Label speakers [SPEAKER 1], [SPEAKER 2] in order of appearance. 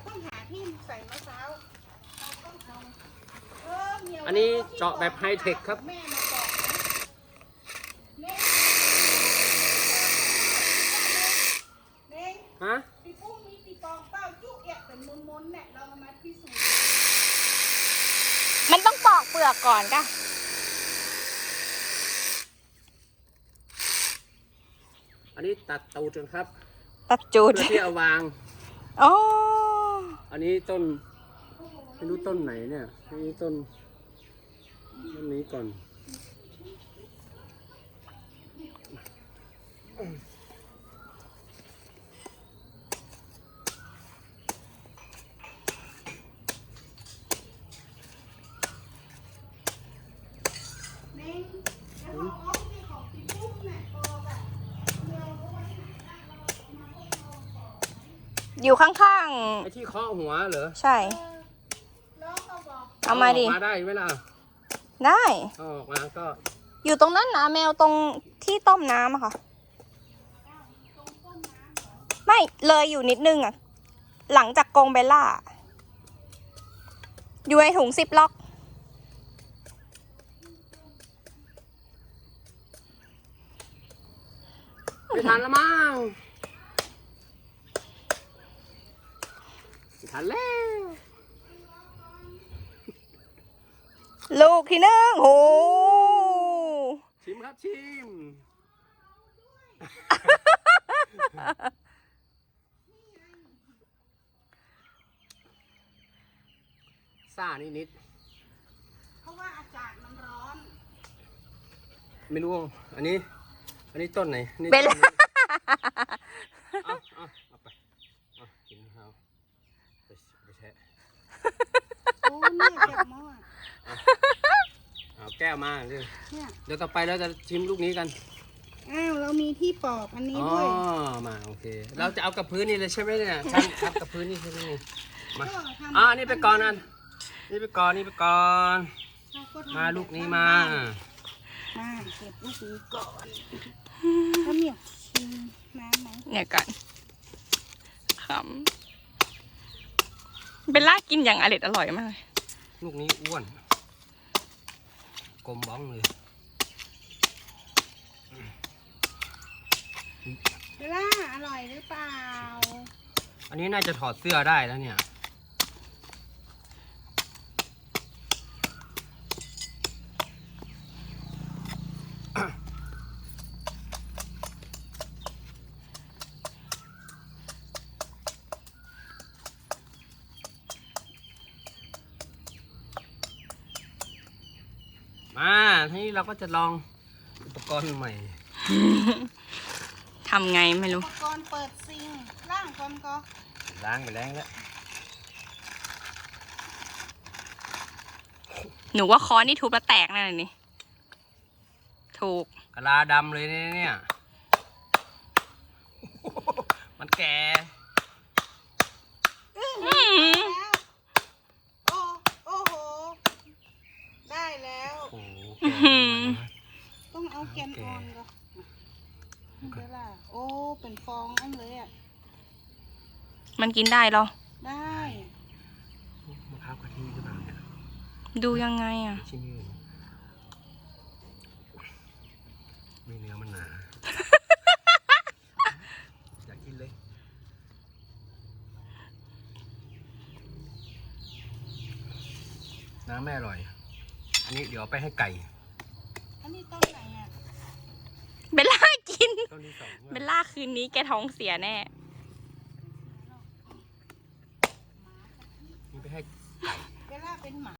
[SPEAKER 1] ต้องหาที่ใส่มะพร้าวเราต้องเอา
[SPEAKER 2] อันนี้เจาะแบบไฮเทคครับ
[SPEAKER 1] แม่มาบอกนะเน่ง
[SPEAKER 2] ฮะ
[SPEAKER 1] ปีปุ้งมีปีกองเป้าจุกแอะเป็นมนๆเนี่ยเรามาพิสูจน์
[SPEAKER 3] มันต้องปอกเปลือกก่อนก่ะ
[SPEAKER 2] อันนี้ตัดตูดจนครับ
[SPEAKER 3] ตัดจูด
[SPEAKER 2] เพื่อที่เอาวาง
[SPEAKER 3] อ๋อ
[SPEAKER 2] อันนี้ต้นไม่รู้ต้นไหนเนี่ยนี่ต้นนี้ก่อน
[SPEAKER 1] เน่งแล้วของอ้อมนี่ของปีปุ้งเนี่ยปอกอะเราเอาไว้ไหนได้เรามาพวกเราปอก
[SPEAKER 3] อยู่ข้าง
[SPEAKER 2] ไอ้ที่เคาะหัวเหรอ
[SPEAKER 3] ๆ ใช่
[SPEAKER 1] แล้วเราบอก
[SPEAKER 3] เอามาดิ
[SPEAKER 2] ออกมาได้ไหมล่ะ
[SPEAKER 3] ได้
[SPEAKER 2] เอาออกมาก็
[SPEAKER 3] อยู่ตรงนั้นนะแมวตรงที่ต้มน้ำอะค่ะ
[SPEAKER 1] ตรงต้นน้ำเหรอ
[SPEAKER 3] ไม่เลยอยู่นิดนึงอะหลังจากกรงเบลล่า อยู่ในถุงซิปล็อก
[SPEAKER 2] ไม่ทันแล้วมั้งไม่ทันแล้ว
[SPEAKER 3] ลูกที่หนึ่งโห
[SPEAKER 2] ชิมครับชิมซ่านิด
[SPEAKER 1] เพราะว่าอากาศมันร้อน
[SPEAKER 2] ๆไม่รู้อันนี้ต้นไหนนี่
[SPEAKER 3] เบล
[SPEAKER 2] ต้น
[SPEAKER 3] ล่า
[SPEAKER 2] นี้เอาไปกินข้าวไปแช่
[SPEAKER 1] โอ้เนี่ยแกะหม้อ
[SPEAKER 2] เอาแก้วมาเดี๋ยว
[SPEAKER 1] เนี่ย
[SPEAKER 2] เดี๋ยวต่อไปเราจะชิมลูกนี้กัน
[SPEAKER 1] อ้าวเรามีที่ปอกอันนี้
[SPEAKER 2] อ๋อ
[SPEAKER 1] ด้วย
[SPEAKER 2] มาโอเคเราจะเอากับพื้นนี่เลยใช่ไหมเนี่ยช่างครับกับพื้นนี่ใช่ไหมนี่มา
[SPEAKER 1] ก็ทำ
[SPEAKER 2] อันนี้ไปก่อนอันนี่ไปก่อน
[SPEAKER 1] เราก็ทำ
[SPEAKER 2] มาลูกนี้มา
[SPEAKER 1] มาเก็บลูกนี้ก่อนแล้วเนี่ยชิมน้ำไหม
[SPEAKER 3] เนี่ยก่อนขำเบลล่ากินอย่างอร่อยมากเลย
[SPEAKER 2] ลูกนี้อ้วนกลมบ้องเลย
[SPEAKER 1] เบลล่าอร่อยหรือเปล่า
[SPEAKER 2] อันนี้น่าจะถอดเสื้อได้แล้วเนี่ยมาทีนี้เราก็จะลองอุปกรณ์ใหม่
[SPEAKER 3] ทำไงไม่รู้
[SPEAKER 1] อุปกรณ์เปิดซิงค์ล่างก่อนก็
[SPEAKER 2] ล้างไปแล้ว
[SPEAKER 3] หนูว่าค้อนนี่ทุบแล้วแตกแน่เลยนี่ ถูก
[SPEAKER 2] กะลาดำเลยเนี่ย มันแก่
[SPEAKER 1] แล้วโอ้โหได้แล้ว
[SPEAKER 2] โอ้โห
[SPEAKER 3] อื้อหือ
[SPEAKER 1] ต้องเอาแกนออนก่อนเบลล่าโอ้เป็นฟองอันเลยอ่ะ
[SPEAKER 3] มันกินได้เหรอ
[SPEAKER 1] ได้
[SPEAKER 2] มะพร้าวกะทิหรือเปล่าเนี่ย
[SPEAKER 3] ดูยังไงอ่ะ
[SPEAKER 2] ชิ้นยืนมีเนื้อมันหนา อยากกินเลย น้ำไม่อร่อย อันนี้เดี๋ยวเอาไปให้ไก่
[SPEAKER 1] อันนี้ต้นไหนอ่ะ
[SPEAKER 3] เบลล่ากิน
[SPEAKER 2] ต้นที่สอง
[SPEAKER 3] เบลล่าคืนนี้แกท้องเสียแน่
[SPEAKER 2] นี่ไปให้
[SPEAKER 1] เบลล่าเป็นหมา